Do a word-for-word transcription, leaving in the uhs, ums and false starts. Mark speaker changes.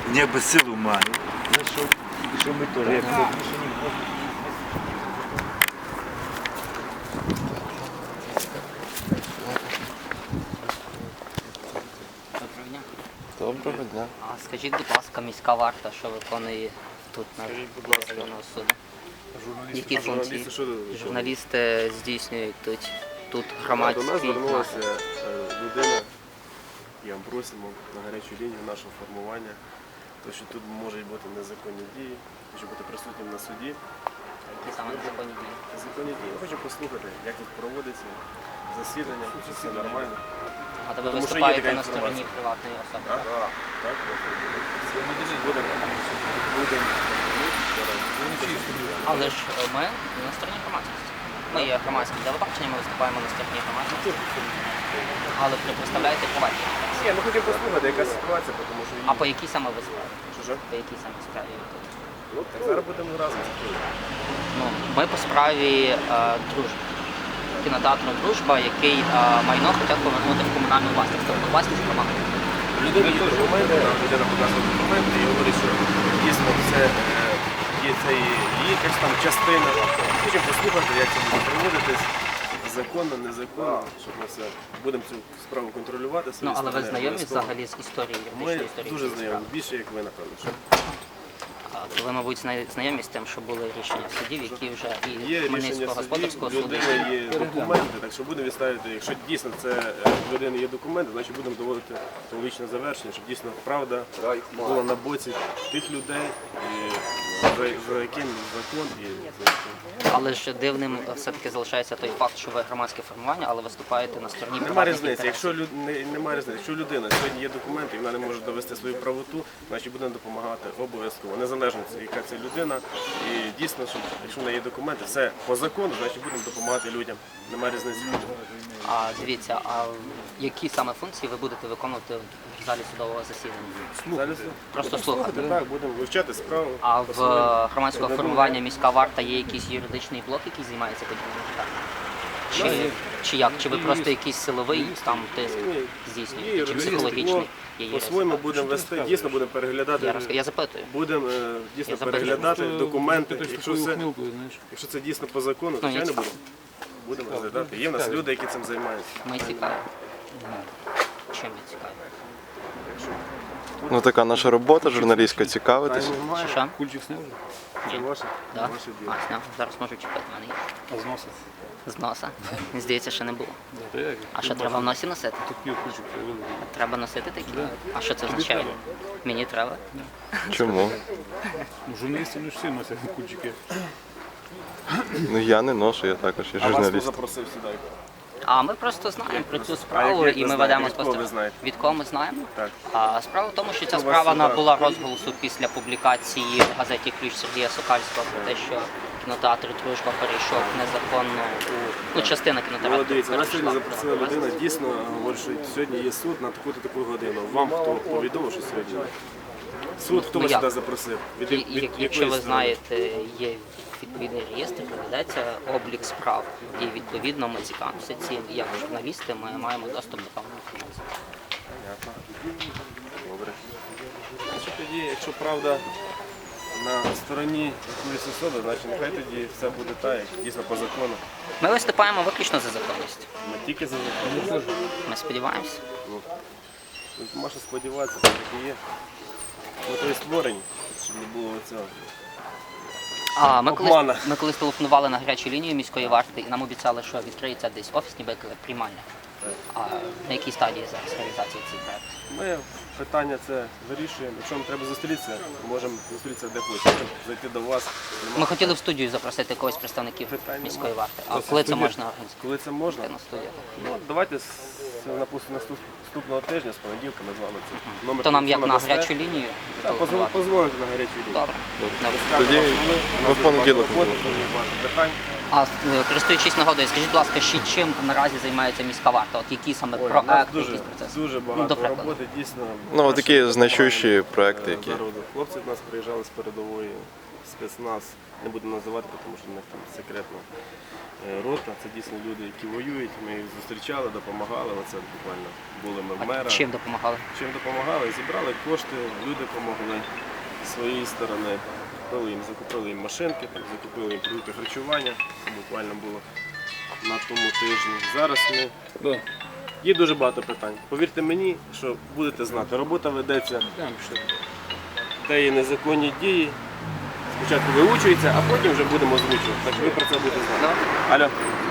Speaker 1: ніби силу має. За що, що ми теж, як це
Speaker 2: Доброго дня.
Speaker 3: Доброго дня.
Speaker 2: А скажіть, будь ласка, міська варта, що виконує тут на районного суду? Які функції?
Speaker 3: Журналісти що тут?
Speaker 2: Журналісти здійснюють тут, тут
Speaker 3: До нас
Speaker 2: громадський
Speaker 3: звернулася
Speaker 2: нагляд.
Speaker 3: е, людина, і ми просимо на гарячу лінію нашого формування, тому що тут можуть бути незаконні дії, хочу бути присутнім на суді.
Speaker 2: Які саме незаконні дії?
Speaker 3: Незаконні дії. Я хочу послухати, як тут проводиться засідання, чи все нормально.
Speaker 2: А то ви
Speaker 3: Тому що є
Speaker 2: виступаєте
Speaker 3: така
Speaker 2: на стороні
Speaker 3: інформація.
Speaker 2: приватної особи?
Speaker 3: Так? Так. Будемо. Будемо.
Speaker 2: Але ж е, ми на стороні громадськості. Ми є громадським телебаченням, ми виступаємо на стороні громадськості. Але ви представляєте приватні.
Speaker 3: Ні, ми хочемо послухати, яка ситуація, тому що...
Speaker 2: А по якій саме ви справі?
Speaker 3: Що, що?
Speaker 2: По якій саме справі ви тут?
Speaker 3: Ну, так зараз будемо разом.
Speaker 2: Ну, ми по справі е, дружби. Кінотеатру «Дружба», який е, майно хочуть повернути в комунальну власність, тобто власність громади.
Speaker 3: Людина є документи, нам людина показує документи і говорить, що дійсно це е, є це і є якась там частина. Хочемо послухати, як це буде проводитись, законно, незаконно, щоб ми все будемо цю справу контролювати.
Speaker 2: Ну, але ви
Speaker 3: сторони,
Speaker 2: знайомі
Speaker 3: обов'язково.
Speaker 2: взагалі з історією,
Speaker 3: Ми
Speaker 2: юридичною історією?
Speaker 3: дуже
Speaker 2: цієї
Speaker 3: знайомі,
Speaker 2: справи?
Speaker 3: більше як ви, напевно. Що
Speaker 2: А, то ви, мабуть, зна- знайомі з тим, що були рішення судів, які вже
Speaker 3: є
Speaker 2: і
Speaker 3: рішення
Speaker 2: Хмельницького
Speaker 3: судів,
Speaker 2: господарського суду.
Speaker 3: людини є документи, так що будемо відставити, якщо дійсно це е, в людини є документи, значить будемо доводити до логічне завершення, щоб дійсно правда була на боці тих людей, і за, за яким закон і за яким.
Speaker 2: Але ж дивним все-таки залишається той факт, що ви громадське формування, але виступаєте на стороні
Speaker 3: Нема
Speaker 2: приватних
Speaker 3: різниці.
Speaker 2: інтересів.
Speaker 3: Якщо люд... не, немає різниці, якщо людина сьогодні є документи і вона не може довести свою правоту, значить будемо допомагати обов'язково. Незалежно яка це людина. І дійсно, що якщо в неї є документи, все по закону, значить будемо допомагати людям. Немає різниці.
Speaker 2: А дивіться, а які саме функції ви будете виконувати в залі судового засідання?
Speaker 3: Зараз
Speaker 2: Просто слухати.
Speaker 3: так, будемо вивчати справу.
Speaker 2: А в
Speaker 3: посмотримо.
Speaker 2: е, громадського формування міська варта є якийсь юридичний блок, який займається подібними питаннями? Чи, чи як? Чи ви просто якийсь силовий там тиск
Speaker 3: Ні, є
Speaker 2: здійснюєте? Чи
Speaker 3: юридичний
Speaker 2: психологічний?
Speaker 3: блок.
Speaker 2: Є юрист.
Speaker 3: По-своєму будемо вести, дійсно будемо переглядати.
Speaker 2: Я, розк- я запитую.
Speaker 3: Будемо е, дійсно
Speaker 2: Я запитую.
Speaker 3: переглядати документи.
Speaker 4: Ти
Speaker 3: Якщо це,
Speaker 4: ухмилку, знаєш.
Speaker 3: якщо це дійсно по закону,
Speaker 2: Ну, ні,
Speaker 3: звичайно
Speaker 2: цікаво.
Speaker 3: будемо. Будемо розглядати. Є в нас люди, які цим займаються.
Speaker 2: Ми цікаві. Чим ви цікаві?
Speaker 3: Якщо
Speaker 4: Ну така наша робота, журналістська, цікавитись.
Speaker 3: питань немає,
Speaker 2: Чи що?
Speaker 4: Кульчик сняв?
Speaker 3: це ваше,
Speaker 2: Да?
Speaker 3: ваше діло.
Speaker 2: А, сняв. Зараз можу чіпати мене. є.
Speaker 4: А з носа?
Speaker 2: З носа. Мені здається, ще не було.
Speaker 4: Та як?
Speaker 2: А що треба в носі носити?
Speaker 4: Такий кульчик привели.
Speaker 2: Треба носити такі? А що це означає?
Speaker 4: треба.
Speaker 2: Мені треба.
Speaker 4: Чому? Ну, журналісти не всі носять кульчики. Ну я не ношу, я також є
Speaker 3: А вас хто
Speaker 4: журналіст.
Speaker 3: запросив сюди?
Speaker 2: А ми просто знаємо про цю
Speaker 3: А
Speaker 2: справу
Speaker 3: як ви
Speaker 2: і ми
Speaker 3: знаєте?
Speaker 2: ведемо
Speaker 3: Від кого ви
Speaker 2: спостереження.
Speaker 3: знаєте?
Speaker 2: Від кого ми знаємо?
Speaker 3: Так.
Speaker 2: А справа в тому, що ця
Speaker 3: вас
Speaker 2: справа
Speaker 3: сюди?
Speaker 2: набула розголосу після публікації в газеті «Ключ» Сергія Сокальського про те, що кінотеатр «Дружба» перейшов незаконно у ну, частина
Speaker 3: Ну,
Speaker 2: кінотеатру
Speaker 3: дивіться, нас
Speaker 2: перейшла
Speaker 3: сьогодні
Speaker 2: в
Speaker 3: запросила людина,
Speaker 2: власність.
Speaker 3: дійсно говорить, що сьогодні є суд на таку-то таку годину. Вам хто повідомив, що сьогодні? Суд, хто
Speaker 2: Ну,
Speaker 3: вас
Speaker 2: як?
Speaker 3: сюди запросив? Від,
Speaker 2: І-
Speaker 3: від,
Speaker 2: і
Speaker 3: від
Speaker 2: як-
Speaker 3: якої
Speaker 2: Якщо ви
Speaker 3: сторони?
Speaker 2: знаєте, є відповідний реєстр, ведеться облік справ. І відповідно ми цікавимося цим. І як журналісти ми маємо доступ до певної інформації.
Speaker 3: Понятно. Добре. Значить, тоді, якщо правда на стороні якоїсь особи, значить нехай тоді все буде так, як дійсно по закону.
Speaker 2: Ми виступаємо виключно за законність.
Speaker 3: Ми тільки за закон.
Speaker 2: Ми сподіваємося.
Speaker 3: Ну, тут можна сподіватися, так як і є. Ми то і створені, щоб не було цього.
Speaker 2: А ми колись,
Speaker 3: Обмана.
Speaker 2: ми колись телефонували на гарячу лінію міської варти і нам обіцяли, що відкриється десь офіс, ніби як приймальня.
Speaker 3: Так.
Speaker 2: А на якій стадії зараз реалізації цих проєктів?
Speaker 3: Ми питання це вирішуємо. Якщо нам треба зустрітися, ми можемо зустрітися де хочемо. Можемо зайти до вас. Нема
Speaker 2: Ми хотіли в студію запросити когось з представників
Speaker 3: Питань
Speaker 2: міської
Speaker 3: немає.
Speaker 2: варти. А коли це можна організувати
Speaker 3: Коли це можна?
Speaker 2: на студію?
Speaker 3: Ну, давайте з напустимо, наступного тижня, з понеділка ми з вами це. Номер
Speaker 2: То нам як
Speaker 3: телефону
Speaker 2: на
Speaker 3: дасте?
Speaker 2: гарячу лінію?
Speaker 3: Так, позв-
Speaker 2: телефонувати?
Speaker 3: позвоните на гарячу лінію.
Speaker 2: Добре.
Speaker 4: Тоді ми в понеділок.
Speaker 3: Роботи, дуже багато питань.
Speaker 2: А е, користуючись нагодою, скажіть, будь ласка, ще чим наразі займається міська варта? От які саме
Speaker 3: Ой, у нас
Speaker 2: проекти,
Speaker 3: дуже,
Speaker 2: якісь процеси?
Speaker 3: дуже
Speaker 2: Ну,
Speaker 3: багато
Speaker 2: до прикладу.
Speaker 3: роботи, дійсно.
Speaker 4: Ну,
Speaker 3: Наші
Speaker 4: такі
Speaker 3: допомагають,
Speaker 4: значущі
Speaker 3: е,
Speaker 4: проекти, які.
Speaker 3: народу. Хлопці до нас приїжджали з передової, спецназ, не буду називати, тому що в них там секретна е, рота. Це дійсно люди, які воюють. Ми їх зустрічали, допомагали. Оце буквально були ми в
Speaker 2: А
Speaker 3: мера.
Speaker 2: чим допомагали?
Speaker 3: Чим допомагали? Зібрали кошти, люди допомогли з своєї сторони. Купили їм, закупили їм машинки, там, закупили їм продукти харчування. Це буквально було на тому тижні. Зараз ми... Є дуже багато питань. Повірте мені, що будете знати, робота ведеться, де є незаконні дії. Спочатку виучується, а потім вже будемо озвучувати. Так що ви про це будете знати. Алло.